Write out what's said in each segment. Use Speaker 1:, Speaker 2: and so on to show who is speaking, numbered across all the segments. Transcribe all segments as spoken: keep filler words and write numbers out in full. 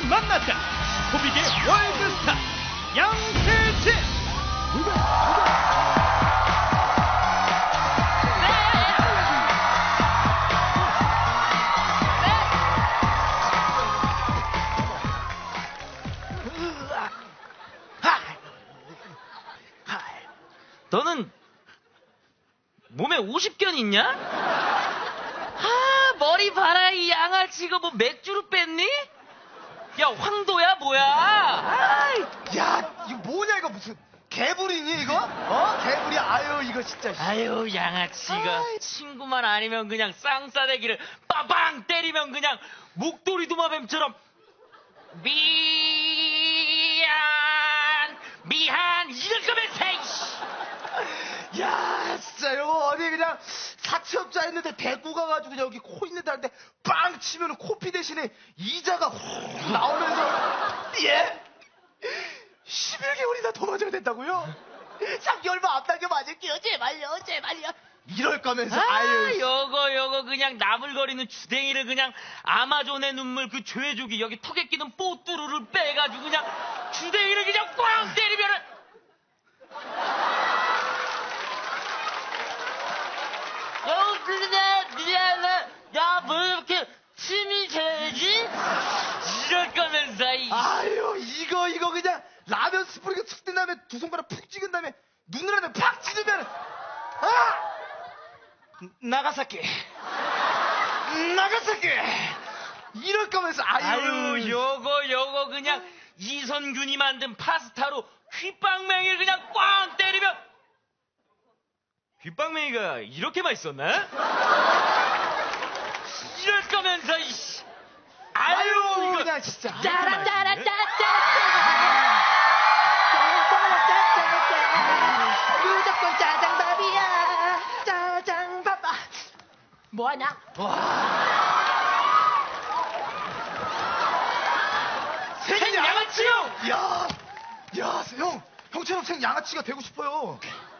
Speaker 1: 만났다. 코빅의 월드스타 양세찬.
Speaker 2: 너는 몸에 오십 견 있냐? 아, 머리 봐라, 이 양아치가 뭐 맥주로 뺐니? 야, 황도야, 뭐야? 아이.
Speaker 3: 야, 이거 뭐냐, 이거 무슨 개불이니, 이거? 어? 개불이, 아유, 이거 진짜.
Speaker 2: 아유, 양아치가. 아이. 친구만 아니면 그냥 쌍싸대기를 빠방 때리면 그냥 목도리 도마뱀처럼 미안, 미안, 이럴 거면 세이씨.
Speaker 3: 야, 진짜 이거 어디 그냥 사채업자 했는데 대구 가가지고 그냥 여기 코 있는 데한테 빵 치면 코피 대신에 이자가 훅 나오면서 예? 십일 개월이나 더 맞아야 된다고요? 삼 개월만 앞당겨 맞을게요. 제발요, 제발요. 이럴 거면서
Speaker 2: 아,
Speaker 3: 아유.
Speaker 2: 요거 요거 그냥 나불거리는 주댕이를 그냥 아마존의 눈물 그 죄족이 여기 턱에 끼는 뽀뚜루를 빼가지고 그냥 주댕이를 그냥 꽝 때리면은 어, 그냥 미안해. 야, 뭐 이렇게 침이 새지? 이럴 거면서 이.
Speaker 3: 아유, 이거 이거 그냥 라면 스프링에 툭 뜬 다음에 두 손가락 푹 찍은 다음에 눈을 하나 팍 찌르면 아! 나가사키 나가사키 이럴 거면서 아유,
Speaker 2: 아유, 요거 요거 그냥 이선균이 만든 파스타로 휘빵맹이를 그냥 꽝 때리면 휘빵맹이가 이렇게 맛있었나? 이럴 거면서 이씨. 아유,
Speaker 3: 아유,
Speaker 2: 이거
Speaker 3: 그냥 진짜
Speaker 4: 무조건 짜장밥이야. 짜장밥. 아, 뭐하냐?
Speaker 2: 생양아치요.
Speaker 3: 야, 야, 형, 형처럼 생 양아치가 되고 싶어요.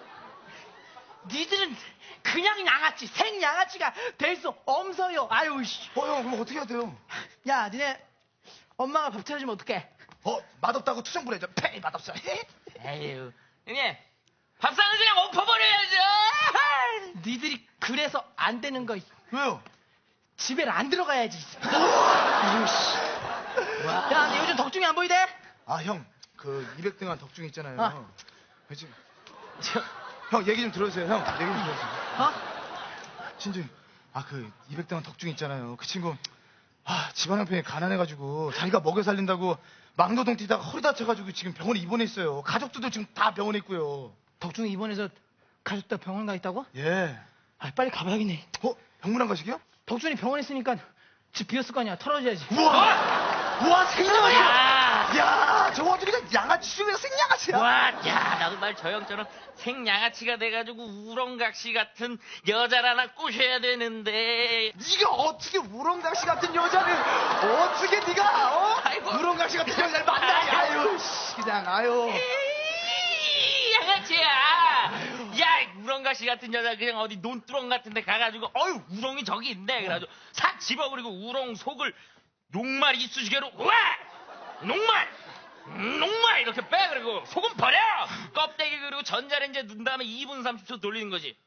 Speaker 4: 니들은 그냥 양아치, 생 양아치가 될 수 없어요. 아유, 씨.
Speaker 3: 어, 형, 그럼 어떻게 해야 돼요?
Speaker 4: 야, 니네 엄마가 밥 차려주면 어떡해?
Speaker 3: 어, 맛없다고 투정 부려줘. 페이, 맛없어.
Speaker 2: 에휴, 형님 밥상을 그냥 엎어버려야죠.
Speaker 4: 니들이 그래서 안 되는 거.
Speaker 3: 왜요?
Speaker 4: 집에 안 들어가야지. 아유, 씨. 야, 니 요즘 덕중이 안 보이대?
Speaker 3: 아, 형, 그 이백 등한 덕중 있잖아요.
Speaker 4: 어.
Speaker 3: 그치? 형, 얘기 좀 들어주세요. 형, 얘기 좀 들어주세요.
Speaker 4: 어?
Speaker 3: 진주, 아, 그 이백 등한 덕중 있잖아요. 그 친구, 아, 집안 형편이 가난해가지고 자기가 먹여 살린다고 막노동 뛰다가 허리 다쳐가지고 지금 병원에 입원해 있어요. 가족들도 지금 다 병원에 있고요.
Speaker 4: 덕중이 입원해서 가족들 병원 가 있다고?
Speaker 3: 예.
Speaker 4: 아, 빨리 가봐야겠네.
Speaker 3: 어? 병문안 가시게요?
Speaker 4: 덕준이 병원에 있으니까 집 비었을 거 아니야. 털어줘야지.
Speaker 3: 우와! 우와, 생양아치야!
Speaker 2: 야,
Speaker 3: 야, 저거 아주 그냥 양아치 중에서 생양아치야!
Speaker 2: 와, 야, 나도 말 저 형처럼 생양아치가 돼가지고 우렁각시 같은 여자를 하나 꼬셔야 되는데.
Speaker 3: 네가 어떻게 우렁각시 같은 여자를 어떻게 네가 어?
Speaker 2: 아이고.
Speaker 3: 우렁각시 같은 여자를 만나니? 아유, 씨, 그냥 아유.
Speaker 2: 에이, 양아치야. 야, 우렁각시 같은 여자 그냥 어디 논두렁 같은 데 가가지고 어휴, 우렁이 저기 있네. 그래가지고 싹 집어버리고 우렁 속을 녹말 이쑤시개로 우와! 녹말! 음, 녹말! 이렇게 빼. 그리고 소금 버려! 껍데기 그리고 전자레인지에 넣은 다음에 이 분 삼십 초 돌리는 거지.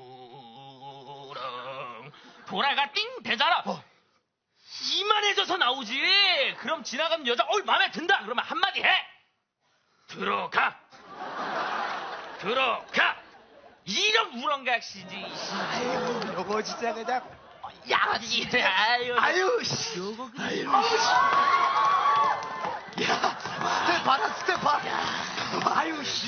Speaker 2: 우렁 돌아가 띵 되잖아.
Speaker 3: 어.
Speaker 2: 이만해져서 나오지. 그럼 지나가는 여자 어이 마음에 든다. 그러면 한마디 해. 들어가. 들어가. 이런 우렁각시지.
Speaker 3: 아유, 요거 진짜 그냥
Speaker 2: 양아치. 아유.
Speaker 3: 아유, 씨.
Speaker 2: 요거 그냥.
Speaker 3: 아유, 씨. 야, 스텝 봐라, 스텝 봐. 아유, 씨.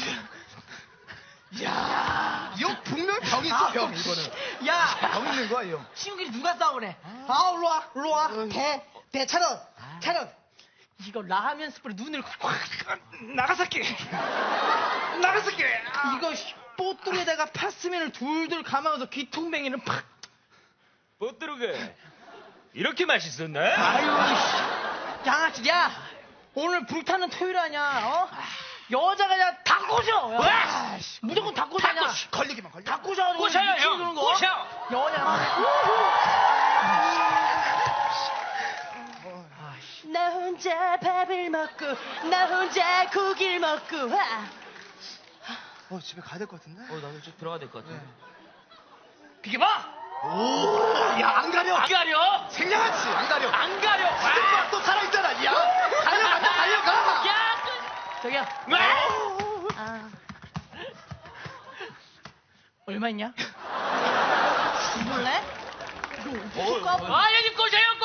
Speaker 3: 야, 이거 분명 병 있어, 병, 이거는.
Speaker 4: 야,
Speaker 3: 병 있는 거야, 이 형.
Speaker 4: 친구끼리 누가 싸우래? 아, 일로 와, 일로 와. 대, 대, 차렷, 차렷. 이거 라면 스프를 눈을 확.
Speaker 3: 나가사키. 나가사키.
Speaker 4: 이거 뽀뚜리에다가 파스면을 둘둘 감아서 귀퉁뱅이는 팍.
Speaker 2: 뽀뚜루가 이렇게 맛있었나?
Speaker 4: 아유, 씨. 양아치, 야, 오늘 불타는 토요일 아니야, 어? 여자가 그냥 다 꼬셔. 야. 무조건 다 꼬셔.
Speaker 2: 다 꼬셔.
Speaker 3: 걸리기만 걸려.
Speaker 4: 다 꼬셔가지고
Speaker 2: 꼬셔요,
Speaker 4: 미치게
Speaker 2: 형.
Speaker 4: 노는 거.
Speaker 2: 꼬셔.
Speaker 4: 여자. 나 혼자 혼자 밥을 먹고 나 혼자 고기를 먹고 아.
Speaker 3: 어, 집에 가야 될 것 같은데?
Speaker 2: 어, 나도 좀 들어가야 될 것 같아.
Speaker 3: 비켜봐! 오, 야, 안 가려!
Speaker 2: 안 가려!
Speaker 3: 생략하지, 안 가려!
Speaker 2: 안 가려!
Speaker 3: 스티브가 또 살아있잖아, 야! 달려간다, 달려가!
Speaker 2: 야!
Speaker 4: 저기요.
Speaker 2: 왜?
Speaker 4: 아. 얼마 있냐? 줄래? 이거
Speaker 2: 아, 여기 꼬세요,